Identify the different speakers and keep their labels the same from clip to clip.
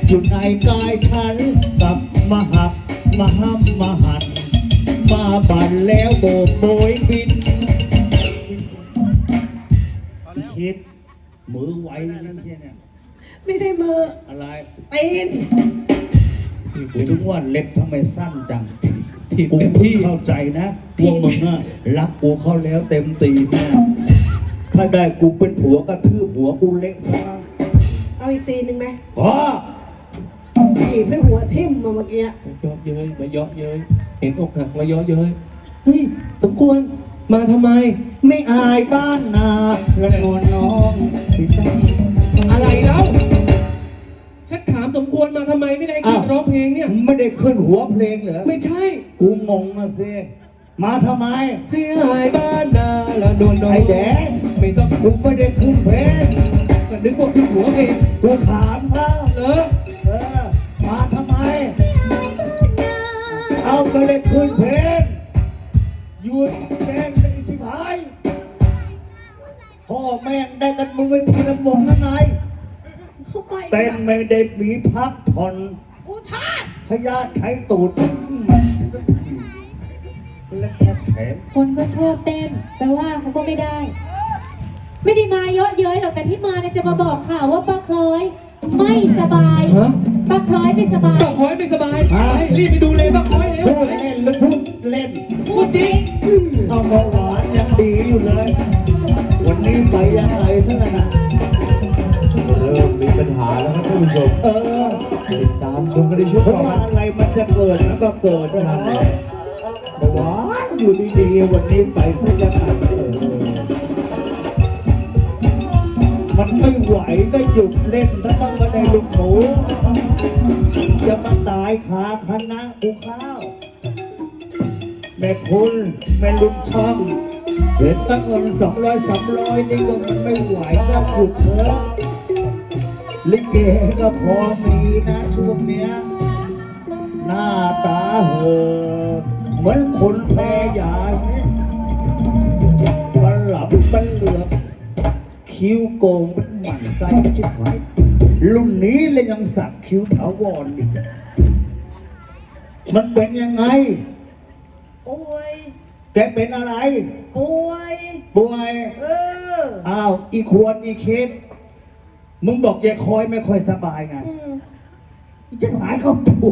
Speaker 1: อยู่ในกายฉันกับมหักมหัมมหันมาบันแล้วโบกโบยบินคิดมือไวนั่นใช่เนี่ย
Speaker 2: ไม่ใช่มือ
Speaker 1: อะไร
Speaker 2: ตีน
Speaker 1: กูทุกวันเล็กทำไมสั้นจัง
Speaker 3: ถีบ
Speaker 1: กู
Speaker 3: เต็ม
Speaker 1: เพิ่ง
Speaker 3: ที่
Speaker 1: เข้าใจนะว่ามึงอะรักกูเข้าแล้วเต็มตีแน่ถ้าได้กูเป็นผัวกระทืบหัวกูเละซะ
Speaker 2: เอาอีกตีนหนึ่งไหม
Speaker 1: อ๋อ
Speaker 2: ถีบให้หัวทิ่มมาเมื่อกี้
Speaker 3: เยาะเย้ยมาเยาะเย้ยเห็นอกหักมาเยาะเย้ยเฮ้ยสมควรมาทำไม
Speaker 1: ไม่อายบ้านนาและนอนน้องพี่ตั้ง
Speaker 3: อะไรแล้วฉันถามสมควรมาทำไมไม่ได้ขึ้นร้องเพลงเนี่ย
Speaker 1: ไม่ได้ขึ้นหัวเพลงเหรอ
Speaker 3: ไม่ใช่
Speaker 1: กูงงนะสิมาทำไม
Speaker 3: ให้หายบ้านนาละโดน
Speaker 1: ไอ้แดง
Speaker 3: ไม่ต้อง
Speaker 1: กูไม่ได้ขึ้นเพลง
Speaker 3: ก็นึกว่าขึ้นหัวเพลง
Speaker 1: กูถามเขา
Speaker 3: เหรอ
Speaker 1: มาทำไมเอาไม่ได้ขึ้นเพลงหยุดแดงได้ที่หายพ่อแม่งได้กันมึงไปทีละวงนั่นไงเต้นไม่ได้มีพักผ่อน
Speaker 2: กูชาติ
Speaker 1: พยาใช้ตูดและแค่แขน
Speaker 4: คนก็ชอบเต้นแปลว่าเขาก็ไม่ได้มาเยอะเย้ยหรอกแต่ที่มาเนี่ยจะมาบอกข่าวว่าป้าคล้อยไม่สบายป้าคล้อยไม่สบาย
Speaker 3: ป้าคล้อยไม่สบายไปรีบไปดูเลยป้าคล้อยเร็ว
Speaker 1: พูดเล่นหรือพูดเล่น
Speaker 3: พูดจริง
Speaker 1: เอาเบาหวานยังดีอยู่เลยวันนี้ไปยังไงซะนะ
Speaker 5: เริ่มมีปัญหาแล้วครับท่านผู้ชมติดตามชมกันในช่วงต่อไป
Speaker 1: อะไรมันจะเกิดแล้วก็เกิดนั่นแหละหวานอยู่ดีๆวันนี้ไปซะยังไงมันไม่ไหวก็หยุดเล่นถ้าต้องมาได้ลูกหมูจะมาตายขาคณะกูข้าวแม่คุณแม่ลุงช่องเห็นตั้งเงิน200 300นี่ก็มันไม่ไหวก็หยุดเถอะลิเกก็พอมีนะช่วงเนี้ยหน้าตาเหอะเหมือนคนแพ้ยามันหลับมันเหลือบคิ้วโกงมันหมั่นใจชิบหายรุ่นนี้เลยยังสักคิ้วถาวรอีกมันเป็นยังไง
Speaker 2: ป่วย
Speaker 1: แกเป็นอะไร
Speaker 2: ป่วย
Speaker 1: อ้าวอีควรอีคิดมึงบอกยายคอยไม่ค่อยสบายไงจะหายเขาป่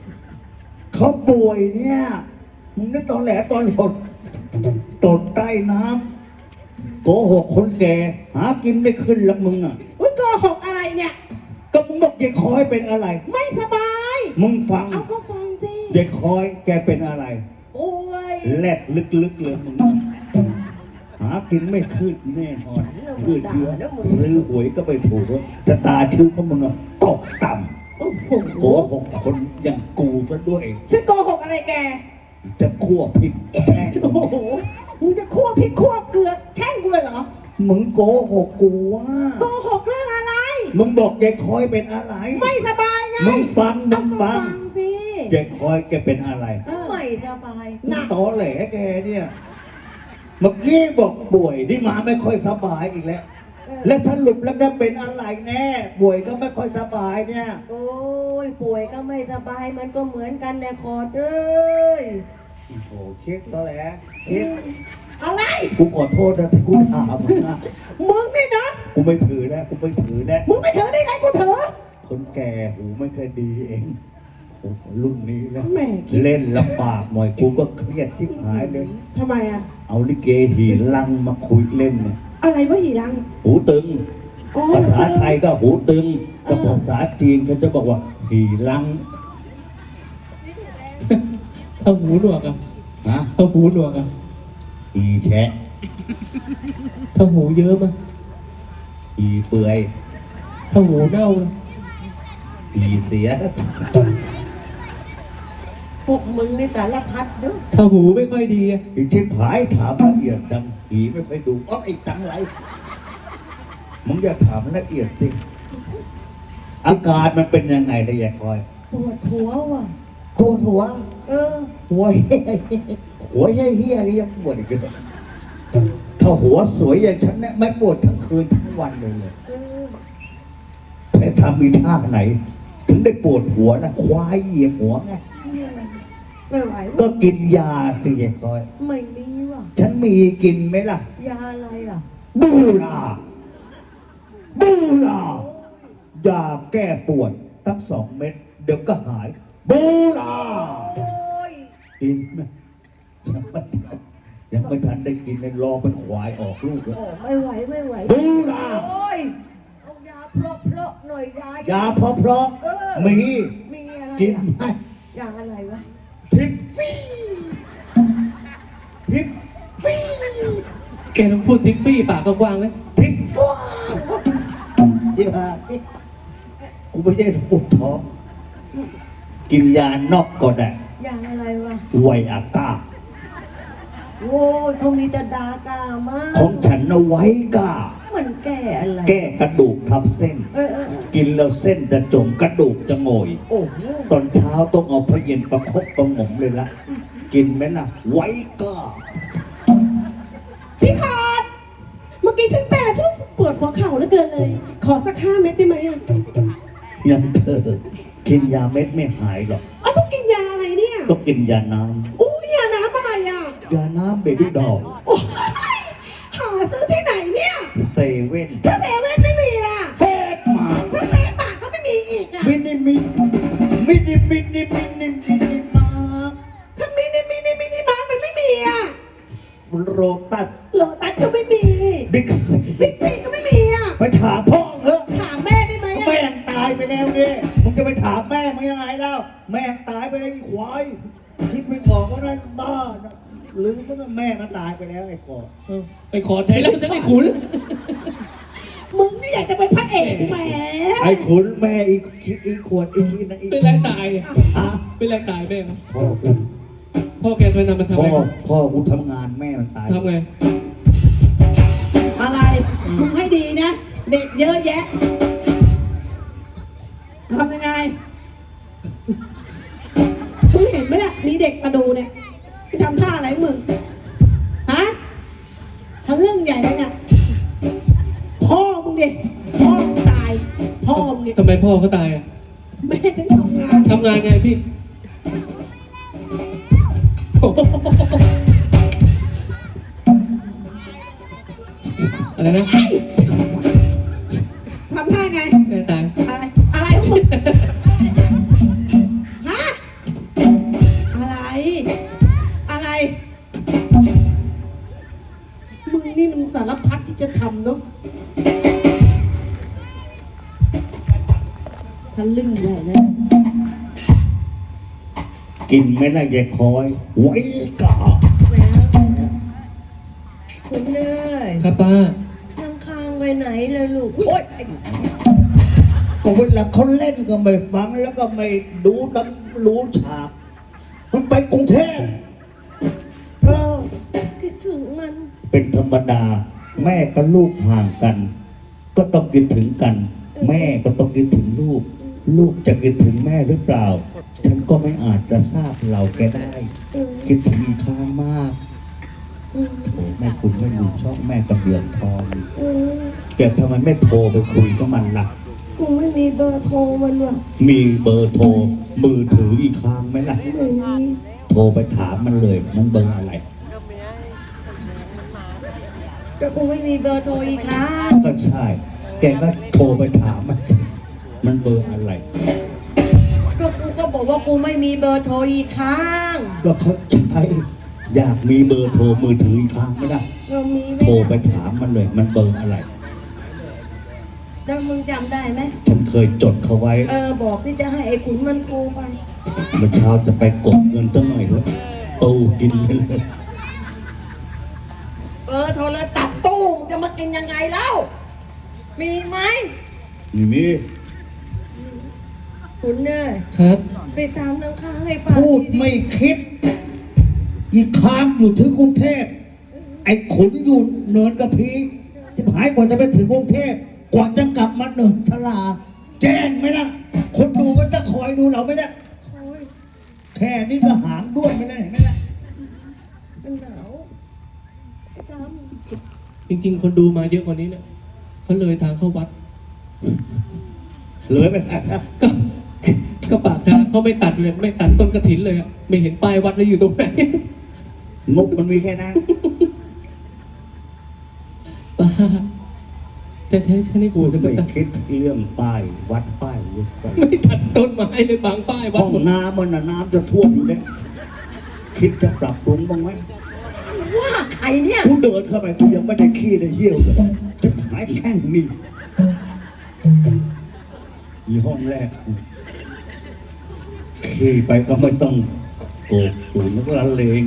Speaker 1: วยเนี่ยมึงนึกตอนแหลตอนหดตดใต้น้ำโกหกคนแก่หากินไม่ขึ้นละมึงอ่ะ
Speaker 2: โกหกอะไรเนี่ย
Speaker 1: ก็มึงบอกยายคอยเป็นอะไร
Speaker 2: ไม่สบาย
Speaker 1: มึงฟัง
Speaker 2: เอาก็ฟังสิ
Speaker 1: ยายคอยแกเป็นอะไร
Speaker 2: ป่วย
Speaker 1: แลดลึกๆเลยมึงหากินไม่ขึ้นแน่นอนคือเชื้อซื้อหวยก็ไปถูกจะตาชิ้วของมึงอ่ะตกต่ำโกหกคนอย่างกูซะด้วย
Speaker 2: ฉันโกหกอะไรแก
Speaker 1: จะคั่วพริกแช่ง
Speaker 2: โอ้โหมึงจะคั่วพริกคั่วเกลือแช่งกูเลยเหรอ
Speaker 1: มึงโกหกกูว่า
Speaker 2: โกหกเรื่องอะไร
Speaker 1: มึงบอกยายคอยเป็นอะไร
Speaker 2: ไม่สบายไง
Speaker 1: มึงฟัง
Speaker 2: สิ
Speaker 1: ยายคอยแกเป็นอะไร
Speaker 2: ไม่สบาย
Speaker 1: ตอแหลแกเนี่ยเมื่อกี้บอกป่วยนี่มาไม่ค่อยสบายอีกแล้วและสรุปแล้วก็เป็นอะไรแน่ป่วยก็ไม่ค่อยสบายเนี่ย
Speaker 2: โอ้ยป่วยก็ไม่สบายมันก็เหมือนกันแหละคอเอ้ย
Speaker 1: โอ้โหเค้กตอแหลเค้ก
Speaker 2: อะไร
Speaker 1: กูขอโทษนะที่กูถามมึงนะ
Speaker 2: มึงนี่นะ
Speaker 1: กูไม่ถือแล้วมึงไม่ถือ
Speaker 2: ได้ไงกูถือ
Speaker 1: คนแก่หูไม่เคยดีเองรุ่นนี้แล้วเล่นลำบากหน่อยกูก็เครียดที่หายเลย
Speaker 2: ทำไมอ่ะ
Speaker 1: เอาลิเกหีลังมาคุยเล่นเนี่ย
Speaker 2: อะไรวะหีลัง
Speaker 1: หูตึงภาษาไทยก็หูตึงแต่ภาษาจีนเขาจะบอกว่าหีลัง
Speaker 3: ถ้าหูหนวกอ่ะถ้าหูหนวกอ่ะ
Speaker 1: หีแฉะ
Speaker 3: ถ้าหูเยอะมั้ย
Speaker 1: หีเปื่อย
Speaker 3: ถ้าหูเน่า
Speaker 1: หีเสีย
Speaker 2: พวกมึงในแต่ละพัดเด้อ
Speaker 3: ถ้าหูไม่ค่อยดีอ่ะ
Speaker 1: อีชิบหายถามละเอียดจังหีไม่ค่อยดูไอ้ตังไรมึงอย่าถามละเอียดสิอาการมันเป็นยังไงละเอียดคอย
Speaker 2: ปวดหัวว่ะ
Speaker 1: ปวดหัวหัวเฮี้ยนี่ยังปวดอีกเลยถ้าหัวสวยอย่างฉันเนี่ยไม่ปวดทั้งคืนทั้งวันเลยไปทำมีท่าไหนถึงได้ปวดหัวนะควายเหยียบหัวไง
Speaker 2: ไม่ไหว
Speaker 1: ก็
Speaker 2: วะ
Speaker 1: กินยาสิยายคอย
Speaker 2: ไม่มีว่ะ
Speaker 1: ฉันมีกินไหมล่ะ
Speaker 2: ยาอะไรล่ะ
Speaker 1: บูลายาแก้ปวดตั้ง2 เม็ดเดี๋ยวก็หายบูลา
Speaker 2: โอ้ย
Speaker 1: กินไหมยังไม่ทันได้กินเลยรอเป็นควายออกลูกเลย
Speaker 2: โอ้ไม่ไหวไม่ไหว
Speaker 1: บูลา
Speaker 2: โอ้ยเอายาเพลาะหน่อยยาย
Speaker 1: าเพราะๆมี
Speaker 2: มีอะไร
Speaker 1: กิน
Speaker 2: อ่ะ
Speaker 1: ไหม
Speaker 2: ยาอะไรวะ
Speaker 1: พิกซี่พิกซี่
Speaker 3: แกต้องพูดทิกฟี่ปากกว้างๆเลย
Speaker 1: พิกว้าวยี่ห้ากูไม่ได้ปวดท้องกินยานอกก็ได้
Speaker 2: ยาอะไรวะ
Speaker 1: ไวอาก้า
Speaker 2: โอ้ยเขามีแต่ดากามาก
Speaker 1: ของฉันเอาไว้ก้า
Speaker 2: มันแก้อะไร
Speaker 1: แก้กระดูกทับเส้น
Speaker 2: เออ
Speaker 1: กินแล้วเส้นจะจมกระดูกจะโงอย
Speaker 2: โอ้โห
Speaker 1: ตอนเช้าต้องเอาพระเย็นประคบประหงมเลยละกินไหมล่ะ ไว้ก้า
Speaker 6: พี่ขอดเมื่อกี้ฉันเต้นแล้วฉันรู้สึกปวดหัวเข่าเหลือเกินเลย ขอสัก5 เม็ดได้ไหมอ่ะ
Speaker 1: ยังเธอกินยาเม็ดไม่หายหรอก
Speaker 6: เอาต้องกินยาอะไรเนี่ย
Speaker 1: ต้องกินยาน้
Speaker 6: อู้ยาน้ำอะไรอ่ะ
Speaker 1: ำยาน้ำเบบี้ดอล
Speaker 6: โอ้ยหาซื้อที่ไหนเนี่ย
Speaker 1: เซเว่น
Speaker 6: ถ้าเซเว่นไม่มีล่ะ
Speaker 1: เฟสมา
Speaker 6: ถ้าเฟซปากก็ไม่มีอีกอ่ะ
Speaker 1: มินิมาร์ค
Speaker 6: ถ้ามินิมาร์ทมันไม่มีอ่ะ
Speaker 1: โรตัส
Speaker 6: โลตัสก็ไม่มี
Speaker 1: บิ๊กซี
Speaker 6: บิ๊กซีก็ไม่มีอ่ะ
Speaker 1: ไปถามพ่อเถอะ
Speaker 6: ถามแม่ได้ไหมอ่ะ
Speaker 1: แม่งตายไปแล้วเนี่ยมึงจะไปถามแม่มึงยังไงเล่าแม่งตายไปแล้วไอ้ควายคิดไม่ออกก็ได้บ้าหรือว่าแม่มันตายไปแล้วไอ้กอ
Speaker 3: ไปขอไทยแล้วจะไม่ขุน
Speaker 6: มึงนี่อยากจะเป็นพระเอกแหม
Speaker 1: ไอ้ขุนแม่อีขวดอีขี้นะอี
Speaker 3: เป็นแรงตาย
Speaker 1: อ่ะ
Speaker 3: เป็นแรงตายแม่
Speaker 1: พ่อกู
Speaker 3: พ่อแกไปนำมาทำ
Speaker 1: พ่
Speaker 3: อะ
Speaker 1: อ
Speaker 3: ไร
Speaker 1: พ่อกูทำงานแม่มันตาย
Speaker 3: ทำไง
Speaker 6: อะไรมึงให้ดีนะ เด็กเยอะแยะทำยังไงมึงเห็นไหมเนี่ยมีเด็กมาดูเนี่ยไปทำท่าอะไรมึงฮะทำเรื่องใหญ่เลยเนี่ยพ่อมึงเด็กพ่อมึงตายพ่อมึงเนี่ย
Speaker 3: ทำไมพ่อเขาตายอ่ะ
Speaker 6: แม่ฉันทำงาน
Speaker 3: ทำงานไงพี่โอ้โหอะไรนะ
Speaker 6: ทำท่าไง
Speaker 3: แม่ตาย
Speaker 6: อะไรอะไรของมึงฮะอะไรอะไรมึงนี่มันสารพัดที่จะทำเนาะทะลึ่งใหญ่เลย
Speaker 1: กินไม่ได้ยายคอย ไว้ก่า
Speaker 2: คุณเนย
Speaker 3: ครับป้า
Speaker 2: นั่งค้างไปไหนเลยลูก โอ๊ย
Speaker 1: ก็เวลาเขาเล่นก็ไม่ฟังแล้วก็ไม่ดูตั้งรู้ฉาก มันไปกรุงเทพเออ
Speaker 2: คิดถึงมัน
Speaker 1: เป็นธรรมดา แม่กับลูกห่างกัน ก็ต้องคิดถึงกัน แม่ก็ต้องคิดถึงลูก ลูกจะคิดถึงแม่หรือเปล่า ฉันก็ไม่อาจจะทราบเราแกได้ คิดถึงอีกครั้งมากโอ้แม่คุณไม่รู้ช่องแม่กระเบียดทองแกทำไมไม่โทรไปคุยกับมันล่ะ
Speaker 2: กูไม่มีเบอร์โทรมันว่ะ
Speaker 1: มีเบอร์โทรมือถืออีกครั้งไหมล่ะ
Speaker 2: ไม่มี
Speaker 1: โทรไปถามมันเลย มันเบอร์อะไร
Speaker 2: ก็กูไม่มีเบอร์โทรอีกครั้ง
Speaker 1: ก็ใช่ แกก็โทรไปถามมัน มันเบอร์อะไร
Speaker 2: ก็กูก็บอกว่ากูไม่มีเบอร์โทรอีกครั้ง
Speaker 1: ก็เขาใช่อยากมีเบอร์โทรมือถืออีกครั้งไหมล่ะ
Speaker 2: เรามีไหม
Speaker 1: โทรไปถามมันเลย มันเบอร์อะไร
Speaker 2: แล้วมึงจำได้ไหม
Speaker 1: ฉันเคยจดเขาไว้
Speaker 2: บอกที่จะให้ไอ้ขุนมันโทรไป
Speaker 1: เมื่อเช้าจะไปกดเงินตั้งหน่อยเถอะตู้กินไปเลย
Speaker 2: เบอร์โทรศัพท์ตู้จะมากินยังไงเล่า มีไหม
Speaker 1: นี่มี
Speaker 2: ขุนเนย
Speaker 3: ครับ
Speaker 2: ไปตามน้ำค้างให้ฟัง
Speaker 1: พูดไม่คิด อีกครั้งอยู่ถึงกรุงเทพ ไอ้ขุนอยู่เนินกระพีที่หายกว่าจะไปถึงกรุงเทพ กว่าจะกลับมาเนินสลา แจ้งไหมล่ะ คนดูก็จะคอยดูเราไหมล่ะ
Speaker 2: โอ้ย
Speaker 1: แค่นี้ก็หางด้วนไม่ได้เห็นไหมล่ะ
Speaker 2: มันหนาวไอ้ตาม
Speaker 3: จริงๆ คนดูมาเยอะกว่านี้เนี่ยเขาเลยทางเข้าวัด
Speaker 1: เลยไปแล้ว
Speaker 3: ก็แค่ก็ปากทางเขาไม่ตัดเลยไม่ตัดต้นกระถินเลยอะไม่เห็นป้ายวัดเลยอยู่ตรงไหน
Speaker 1: งบมันมีแค่นั้น
Speaker 3: ป้าจะใช้ฉันให้กู
Speaker 1: กู
Speaker 3: จะ
Speaker 1: ไม่
Speaker 3: ไม่ตัด
Speaker 1: คิดเรื่องป้ายวัดป้ายวัด
Speaker 3: ไม่ตัดต้นไม้เลยบางป้ายวั
Speaker 1: ห้
Speaker 3: ด
Speaker 1: อง
Speaker 3: หมด
Speaker 1: น้ำมันน่ะน้ำจะท่วมอยู่แล้วคิดจะปรับปรุงบ้างไหม
Speaker 2: ว่าใครเนี่ย
Speaker 1: กูเดินเข้าไปกูยังไม่ได้ขี้ได้เยี่ยวเลยจะหายแข้งนี่มีห้องแรกขี้ไปก็ไม่ต้องโกกตูนแล้วก็ละเลง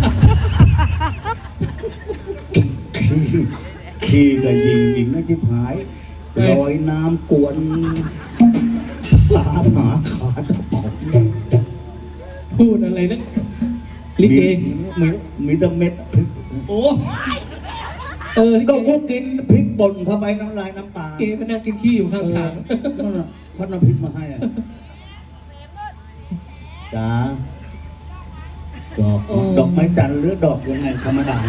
Speaker 1: ขี้ก็ยิงไม่จิบหายลอยน้ำกวนตามหาขาตะปบ
Speaker 3: พูดอะไรนะลิเก
Speaker 1: มีแต่เม็ดพริก
Speaker 3: โอ้ลิ
Speaker 1: ก็
Speaker 3: เก
Speaker 1: กูกินพริกป่นเข้าไปน้ำลายน้ำปลา
Speaker 3: เกมานั่งกินขี้อยู่ข้างทาง
Speaker 1: นั่นน่ะเขาน้ำพริกมาให้อ่ะจ้าดอกไม้จันทร์หรือดอกยังไงธรรมดา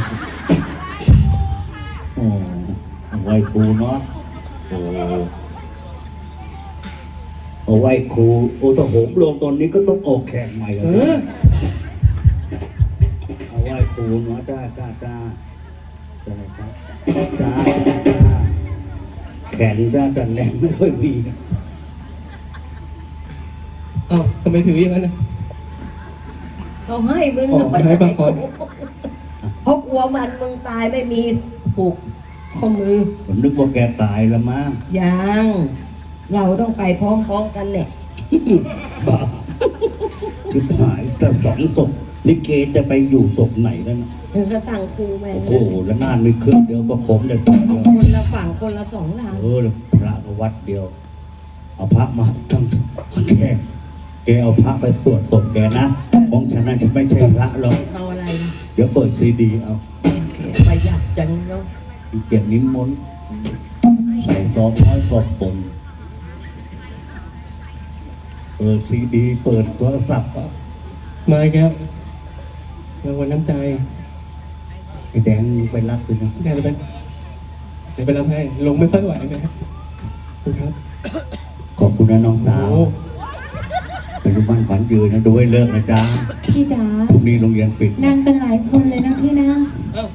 Speaker 1: โอ้ไหว้ครูเนาะโอ้เอาไหว้ครูโอ้ถ้าโหมลงตอนนี้ก็ต้องออกแข่งใหม่แล้ว
Speaker 3: เออ
Speaker 1: เอาไหว้ครูเนาะจ้าจ้าครับจ้าแขนจ้าแต่แรงไม่ค่อยมี
Speaker 3: อ้าวทำไมถืออย่างนั้นนะ
Speaker 2: เขาให้มึง
Speaker 3: อ๋อให้ปะก่อน
Speaker 2: เพราะกลัวมันมึงตายไม่มีผูกข้อมือ
Speaker 1: ผมนึกว่าแกตายแล้วมั้ง
Speaker 2: ยัง เราต้องไปพร้อมๆกันเนี่ย
Speaker 1: บ้าชิบหายแต่สองศพลิเกจะไปอยู่ศพไหนแล้วนะ
Speaker 2: มึงก็ตั้งครูแม่ง
Speaker 1: โอ้โหแล้วนานมีเครื่องเดียวก็ผมได้ศพเดียว
Speaker 2: คนละฝั่งคนละสองลาง
Speaker 1: พระก็วัดเดียว เอาพระมาทั้งแกเอาพระไปตรวจศพแกนะของฉันน่ะจะไม่ใช่พระหรอก
Speaker 2: เอาอะไรนะ
Speaker 1: เดี๋ยวเปิดซีดีเอา
Speaker 2: ประหยัดจังเนาะ
Speaker 1: อีเกียรนิมนต์ใส่ซองน้อยกอบปนเปิดซีดีเปิดโทรศัพท์อ่ะ
Speaker 3: มาอีกแล้วรางวัลน้ำใจ
Speaker 1: ไอ้แดงไปรับไปนะ
Speaker 3: เดี๋ยวไปรับให้ลงไม่ค่อยไหวนะครับคุณครับ
Speaker 1: ขอบคุณนะน้องสาว
Speaker 3: โอ้
Speaker 1: เป็นลูกบ้านขวัญยืนนะดูให้เลิกนะจ๊ะ
Speaker 4: พี่จ๋า
Speaker 1: พรุ่งนี้โรงเรียนปิด
Speaker 4: นั่งกันหลายคนเลยนะพี่นะ
Speaker 3: เอ้า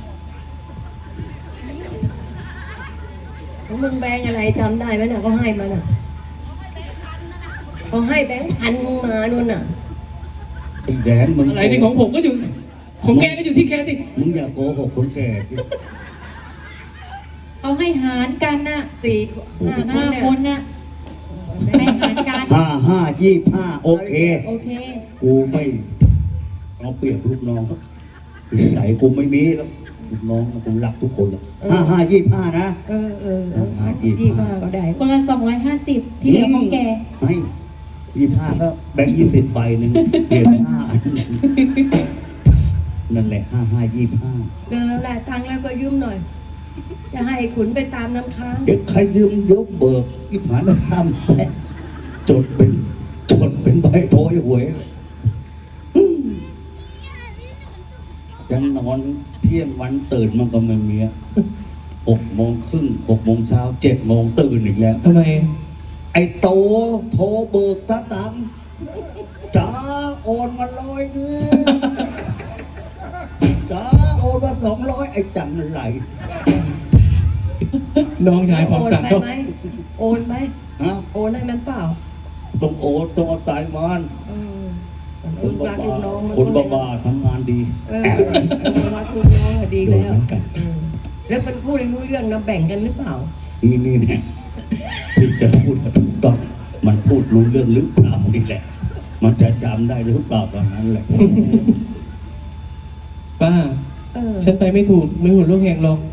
Speaker 2: ของมึงแบงค์อะไรจำได้ไหมน่ะเขาให้มาน่ะเขาให้แบงค์พันมึงมานู่นน่ะ
Speaker 1: ไอ้แดงมึง
Speaker 3: อะไรนี่ของผมก็อยู่ของแกก็อยู่ที่แกดิ
Speaker 1: มึงอย่าโกหกคนแก่สิ
Speaker 4: เอาให้หารกันน่ะ
Speaker 2: สี่
Speaker 4: 5 คนน่ะให้หารกัน
Speaker 1: 55 25โอเค
Speaker 4: โอเค
Speaker 1: กูไม่เอาเปรียบลูกน้องนิสัยกูไม่มีแล้วลูกน้องกูรักทุกคนเลย55 25นะ
Speaker 2: เออที่มาก็ได้
Speaker 4: คนละ250 ที่เหลือของแก
Speaker 1: ไม่25ก็แบงค์20ใบหนึ่งเปลี่ยน5อันหนึ่งนั่นแหละ55
Speaker 2: เออแหละตังค์แล้วก็ยืมหน่อย จะให้ขุนไปตามน้ำค้าง
Speaker 1: 25เด็กใครยืมยกเบิกอีผานทำแต่จดเป็นใบโพยหวยยังนอนเที่ยงวันตื่นมันก็ไม่มี6 โมงครึ่ง6 โมงเช้า7 โมงตื่นอีกแล้ว
Speaker 3: ทำไม
Speaker 1: ไอ้โตโทรเบิกตาตังค์จ้าโอนมา100นึงจ้าโอนมา200ไอ้จังอะไร
Speaker 3: น้องชายความ
Speaker 2: โอน
Speaker 3: ต่าง
Speaker 2: ไป
Speaker 3: ก็
Speaker 2: ไหมโอนไหม
Speaker 1: ฮะ
Speaker 2: โอนให้มันเปล่า
Speaker 1: ต้องโอนต้องเอาตายมัน
Speaker 2: เออ
Speaker 1: คน
Speaker 2: รักลูกน้องมัน
Speaker 1: บ้าๆทำงานดี
Speaker 2: รักลูกน้องอะดี
Speaker 1: โดน
Speaker 2: แล้ว
Speaker 1: เหมือนกัน
Speaker 2: แล้วมันพูดให้รู้เรื่องนะแบ่งกันหรือเปล่า
Speaker 1: นี่เนี่ยที่จะพูดถูกต้องมันพูดรู้เรื่องหรือเปล่านี่แหละ มันจะจำได้หรือเปล่าตอนนั้นแหละ
Speaker 3: ป้า
Speaker 2: เออ
Speaker 3: ฉันไปไม่ถูกไม่หุ่นลูกแหงหรอก